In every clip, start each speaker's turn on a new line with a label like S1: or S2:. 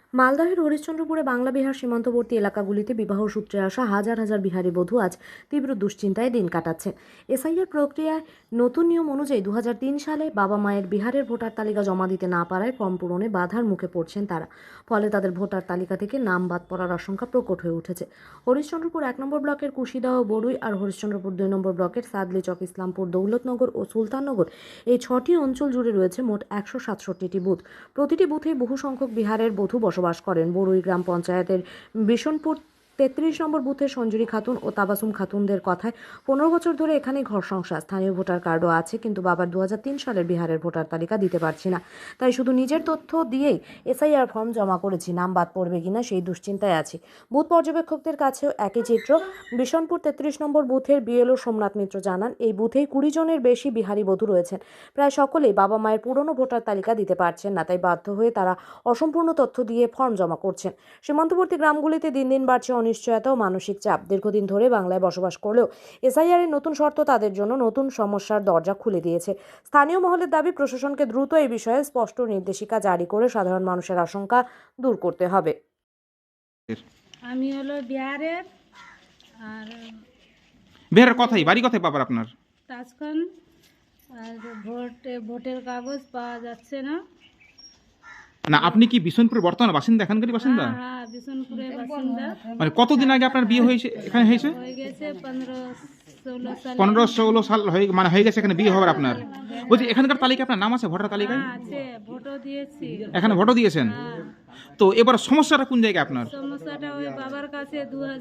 S1: মালদহের হরিশ্চন্দ্রপুরে বাংলা বিহার সীমান্তবর্তী এলাকাগুলিতে বিবাহ সূত্রে আসা হাজার হাজার বিহারি বধূ আজ তীব্র দুশ্চিন্তায় দিন কাটাচ্ছে। এসআইআর প্রক্রিয়ায় নতুন নিয়ম অনুযায়ী 2003 সালে বাবা মায়ের বিহারের ভোটার তালিকা জমা দিতে না পারায় ফর্ম পূরণে বাধার মুখে পড়ছেন তারা। ফলে তাদের ভোটার তালিকা থেকে নাম বাদ পড়ার আশঙ্কা প্রকট হয়ে উঠেছে। হরিশ্চন্দ্রপুর 1 নম্বর ব্লকের কুশিদহ, বড়ুই আর হরিশ্চন্দ্রপুর 2 নম্বর ব্লকের সাদলিচক, ইসলামপুর, দৌলতনগর ও সুলতাননগর এই 6টি অঞ্চল জুড়ে রয়েছে মোট 167টি বুথ। প্রতিটি বুথে বহু সংখ্যক বিহারের বধূ বসবাস করেন। বড়ুই গ্রাম পঞ্চায়েতের বিশনপুর 33 নম্বর বুথের সঞ্জুরি খাতুন ও তাবাসুম খাতুনদের কথায় 15 বছর ধরে এখানেই ঘর সংসার। স্থানীয় ভোটার কার্ডও আছে, কিন্তু বাবার 2003 সালের বিহারের ভোটার তালিকা দিতে পারছি না, তাই শুধু নিজের তথ্য দিয়েই এসআইআর ফর্ম জমা করেছি। নাম বাদ পড়বে কিনা সেই দুশ্চিন্তায় আছি। বুথ পর্যবেক্ষকদের কাছেও একই চিত্র। বিশনপুর 33 নম্বর বুথের বিএলও সোমনাথ মিত্র জানান, এই বুথেই 20 জনের বেশি বিহারি বধূ রয়েছেন। প্রায় সকলেই বাবা মায়ের পুরনো ভোটার তালিকা দিতে পারছেন না, তাই বাধ্য হয়ে তারা অসম্পূর্ণ তথ্য দিয়ে ফর্ম জমা করছেন। সীমান্তবর্তী গ্রামগুলিতে দিন দিন বাড়ছে অনিশ্চয়তা ও মানসিক চাপ। দীর্ঘদিন ধরে বাংলায় বসবাস করলেও এসআইআর এর নতুন শর্ত তাদের জন্য নতুন সমস্যার দরজা খুলে দিয়েছে। স্থানীয় মহলের দাবি, প্রশাসনকে দ্রুত এই বিষয়ে স্পষ্ট নির্দেশিকা জারি করে সাধারণ মানুষের আশঙ্কা দূর করতে হবে।
S2: আমি হলো বিহারের, আর
S3: বিহারের কথাই বাড়ি কথাই বাবার আপনার?
S2: তাজখান। আর ভোটের কাগজ পাওয়া যাচ্ছে না।
S3: না, আপনি কি বিশনপুরের বর্তমানে বাসিন্দা, এখানকারই বাসিন্দা?
S2: হ্যাঁ, বিশনপুরের বাসিন্দা।
S3: মানে কতদিন আগে আপনার বিয়ে হয়েছে, এখানে হয়েছে?
S2: হয়ে গেছে 15-16 সাল।
S3: 15-16 সাল হয়ে গেছে এখানে বিয়ে হওয়ার আপনার। বলছি, এখানকার তালিকা আপনার নাম আছে ভোটার তালিকায়?
S2: আছে, ভোটও দিয়েছি।
S3: এখানে ভোটও দিয়েছেন?
S2: হ্যাঁ।
S3: তো এবার সমস্যাটা কোন জায়গায় আপনার?
S2: সমস্যাটা ওই বাবার কাছে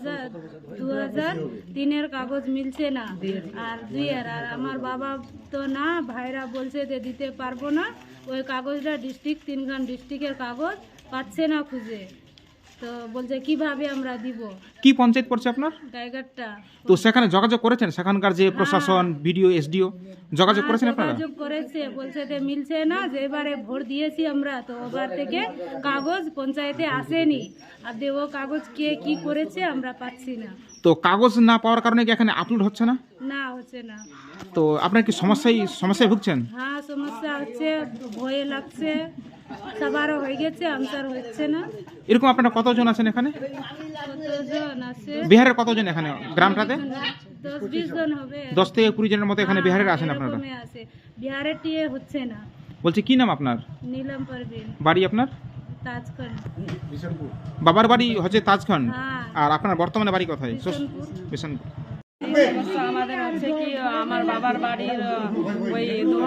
S2: 2003-এর কাগজ মিলছে না, আর 2-এর। আর আমার বাবা তো না, ভাইরা বলছে যে দিতে পারবো না। ওই কাগজটা ডিস্ট্রিক্ট, 3খান ডিস্ট্রিক্টের কাগজ পাচ্ছে না খুঁজে। তো বলছে কিভাবে আমরা দিব।
S3: কি পঞ্চায়েত পড়ছে আপনার?
S2: টাইগারটা।
S3: তো সেখানে যোগাযোগ করেছেন? সেখানকার যে প্রশাসন, বিডিও, এসডিও যোগাযোগ করেছেন আপনারা?
S2: যোগাযোগ করেছে, বলছে যে মিলছে না। যে এবারে ভোট দিয়েছি আমরা, তো ওবার থেকে কাগজ পঞ্চায়েতে আসেনি। আর ও কাগজ কে কি করেছে আমরা পাচ্ছি না।
S3: তো কাগজ না পাওয়ার কারণে কি এখানে আপলোড হচ্ছে না?
S2: না, হচ্ছে না।
S3: তো আপনার কি সমস্যায় ভুগছেন?
S2: হ্যাঁ, সমস্যা হচ্ছে, ভয়ে লাগছে। সবারও হয়ে গেছে, আনসার হচ্ছে না।
S3: এরকম আপনারা কতজন আছেন এখানে?
S2: কতজন আছে?
S3: বিহারের কতজন এখানে গ্রামটাতে?
S2: 10-20 জন হবে।
S3: 10 থেকে 20 জনের মতো এখানে বিহারের আছেন আপনারা?
S2: এরকমই আছে। বিহারের টিয়ে হচ্ছে না।
S3: বলছি, কি নাম আপনার?
S2: নীলম পারভিন,
S3: বাড়ি আপনার?
S2: তাজখান।
S3: বাবার বাড়ি হচ্ছে তাজখান,
S2: হ্যাঁ।
S3: আর আপনার বর্তমানে বাড়ি কোথায়?
S2: বিশনপুর।
S3: বিশনপুর।
S4: সমস্যা আমাদের হচ্ছে কি, আমার বাবার বাড়ির ওই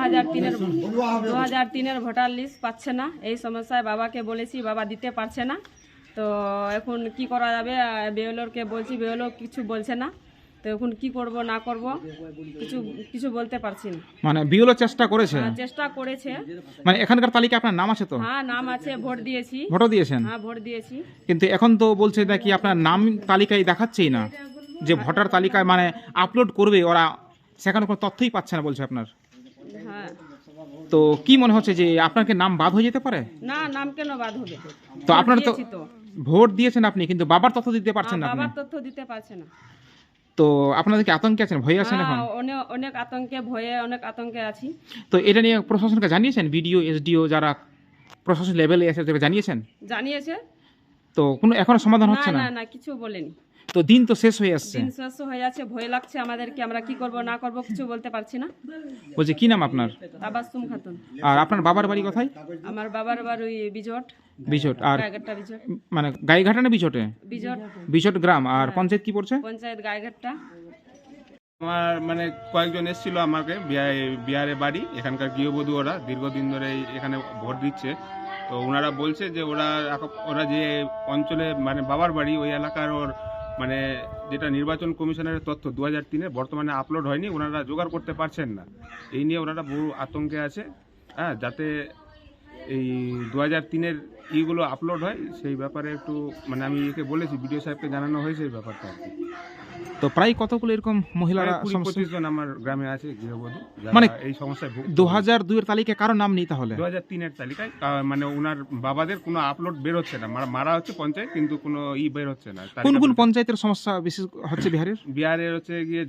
S4: 2003-এর ভোটার লিস্ট পাচ্ছে না। এই সমস্যায় বাবাকে বলেছি, বাবা দিতে পারছে না। তো এখন কি করা যাবে? বিএলওকে বলছি, বিএলও কিছু বলছে না। তো এখন কি করব না করব কিছু বলতে পারছি না।
S3: মানে বিওলো চেষ্টা করেছে?
S4: চেষ্টা করেছে।
S3: মানে এখানকার তালিকা আপনার নাম আছে তো?
S4: হ্যাঁ, নাম আছে, ভোট দিয়েছি।
S3: ভোটও দিয়েছেন?
S4: হ্যাঁ, ভোট দিয়েছি।
S3: কিন্তু এখন তো বলছে নাকি আপনার নাম তালিকায় দেখাচ্ছেই না, যে ভোটার তালিকায় মানে আপলোড করবে ওরা, সেখানে কোনো তথ্যই পাচ্ছে না বলছে আপনার।
S4: হ্যাঁ।
S3: তো কি মনে হচ্ছে যে আপনার কি নাম বাদ হয়ে যেতে পারে?
S4: না, নাম কেন বাদ হবে?
S3: তো আপনার তো
S4: দিয়েছি তো।
S3: ভোট দিয়েছেন আপনি, কিন্তু বাবার তথ্য দিতে পারছেন না আপনি।
S4: বাবার তথ্য দিতে পারছে না।
S3: তো আপনাদের কি আতঙ্কে আছেন, ভয়ে আছেন এখন?
S4: হ্যাঁ, অনেক আতঙ্কে, ভয়ে অনেক আতঙ্কে আছি।
S3: তো এটা নিয়ে প্রশাসনকে জানিয়েছেন? বিডিও, এসডিও যারা প্রশাসন লেভেলে এসে তাদেরকে জানিয়েছেন?
S4: জানিয়েছে।
S3: তো কোনো এখনো সমাধান হচ্ছে না?
S4: না না, কিছু বলেনি।
S3: তো দিন তো শেষ হয়ে আসছে।
S4: দিন শেষ হয়ে যাচ্ছে, ভয় লাগছে আমাদেরকে। আমরা কি করব না করব কিছু বলতে পারছি না।
S3: বলছি, কি নাম আপনার?
S4: তাবাসসুম খাতুন।
S3: আর আপনার বাবার বাড়ি কোথায়?
S4: আমার বাবার বাড়ি ওই বিজট।
S3: বিজট। আর
S4: গাইঘাটটা বিজট।
S3: মানে গাইঘাটা না বিজটে?
S4: বিজট।
S3: বিজট গ্রাম। আর পঞ্চায়েত কি পড়ছে?
S4: পঞ্চায়েত গাইঘাটটা।
S5: আমার মানে কয়েকজন এসেছিল আমাকে বিহারে বাড়ি, এখানকার গৃহবধূ। ওরা দীর্ঘদিন ধরে এখানে ভোট দিচ্ছে। তো ওনারা বলছে যে ওরা যে অঞ্চলে মানে বাবার বাড়ি, ওই এলাকার ওর মানে যেটা নির্বাচন কমিশনের তথ্য 2003-এ বর্তমানে আপলোড হয়নি, ওনারা জোগাড় করতে পারছেন না। এই নিয়ে ওনারা বহু আতঙ্কে আছে। হ্যাঁ, যাতে এই 2003-এর ইগুলো আপলোড হয় সেই ব্যাপারে একটু মানে আমি একে বলেছি, বিডিও সাহেবকে জানানো হয়েছে এই ব্যাপারটা আর কি।
S3: তো প্রায় কতগুলো এরকম মহিলারা
S5: 20-25 জন আমার গ্রামে আছে গৃহবধূ,
S3: মানে
S5: এই সমস্যায়
S3: 2002 এর তালিকায় কারো নাম নেই তাহলে?
S5: 2003-এর তালিকায় মানে ওনার বাবাদের কোনো আপলোড বের হচ্ছে না। মারা হচ্ছে পঞ্চায়েত, কিন্তু কোনো বের হচ্ছে না।
S3: কোন কোন পঞ্চায়েতের সমস্যা বিশেষ হচ্ছে বিহারের?
S5: বিহারের হচ্ছে গিয়ে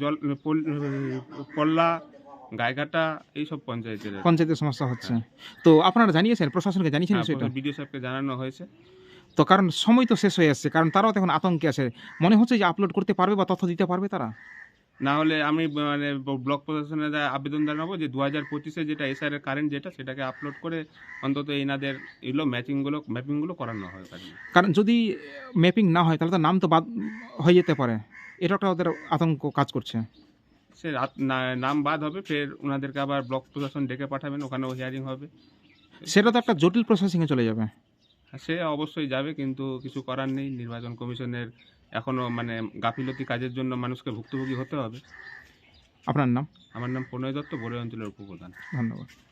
S5: পল্লা, গাইঘাটা, এইসব পঞ্চায়েতের
S3: সমস্যা হচ্ছে। তো আপনারা জানিয়েছেন, প্রশাসনকে জানিয়েছেন সেটা?
S5: বিডিও সাহেবকে জানানো হয়েছে।
S3: তো কারণ সময় তো শেষ হয়ে আসছে, কারণ তারাও তো এখন আতঙ্কে আছে। মনে হচ্ছে যে আপলোড করতে পারবে বা তথ্য দিতে পারবে তারা?
S5: না হলে আমি মানে ব্লক প্রশাসনে আবেদন জানাবো যে 2025-এ যেটা এসআর এর কারেন্ট যেটা সেটাকে আপলোড করে অন্তত এনাদের এগুলো ম্যাপিংগুলো করানো হয় কাজে।
S3: কারণ যদি ম্যাপিং না হয় তাহলে তো নাম তো বাদ হয়ে যেতে পারে, এটা একটা ওদের আতঙ্ক কাজ করছে।
S5: সে নাম বাদ হবে, ফের ওনাদেরকে আবার ব্লক প্রশাসন ডেকে পাঠাবেন, ওখানেও হিয়ারিং হবে।
S3: সেটা তো একটা জটিল প্রসেসিংয়ে চলে যাবে।
S5: সে অবশ্যই যাবে, কিন্তু কিছু করার নেই। নির্বাচন কমিশনের এখনো মানে গাফিলতি কাজের জন্য মানুষকে ভুক্তভোগী হতে হবে।
S3: আপনার নাম?
S5: আমার নাম প্রণয় দত্ত, বড়ুয়া অঞ্চলের উপপ্রধান।
S3: ধন্যবাদ।